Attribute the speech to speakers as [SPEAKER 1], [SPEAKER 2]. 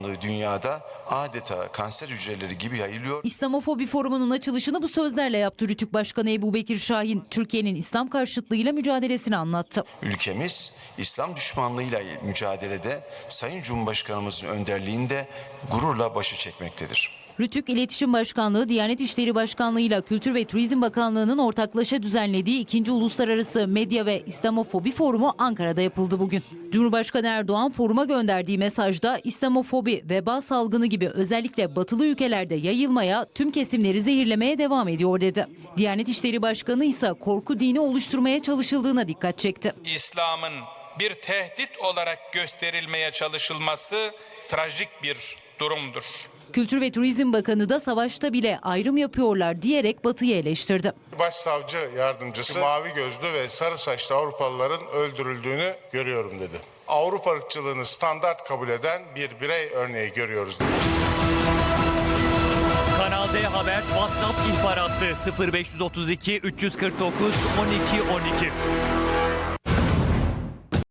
[SPEAKER 1] dünyada adeta kanser hücreleri gibi yayılıyor.
[SPEAKER 2] İslamofobi Forumu'nun açılışını bu sözlerle yaptı Rütük Başkanı Ebu Bekir Şahin. Türkiye'nin İslam karşıtlığıyla mücadelesini anlattı.
[SPEAKER 1] Ülkemiz İslam düşmanlığıyla mücadelede Sayın Cumhurbaşkanımızın önderliğinde gururla başı çekmektedir.
[SPEAKER 2] Rütük İletişim Başkanlığı, Diyanet İşleri Başkanlığı ile Kültür ve Turizm Bakanlığı'nın ortaklaşa düzenlediği 2. Uluslararası Medya ve İslamofobi Forumu Ankara'da yapıldı bugün. Cumhurbaşkanı Erdoğan foruma gönderdiği mesajda İslamofobi, veba salgını gibi özellikle batılı ülkelerde yayılmaya, tüm kesimleri zehirlemeye devam ediyor dedi. Diyanet İşleri Başkanı ise korku dini oluşturmaya çalışıldığına dikkat çekti.
[SPEAKER 3] İslam'ın bir tehdit olarak gösterilmeye çalışılması trajik bir durumdur.
[SPEAKER 2] Kültür ve Turizm Bakanı da savaşta bile ayrım yapıyorlar diyerek Batı'yı eleştirdi.
[SPEAKER 4] Başsavcı yardımcısı mavi gözlü ve sarı saçlı Avrupalıların öldürüldüğünü görüyorum dedi. Avrupa ırkçılığını standart kabul eden bir birey örneği görüyoruz dedi.
[SPEAKER 5] Kanal D Haber WhatsApp ihbar hattı 0532 349 12 12.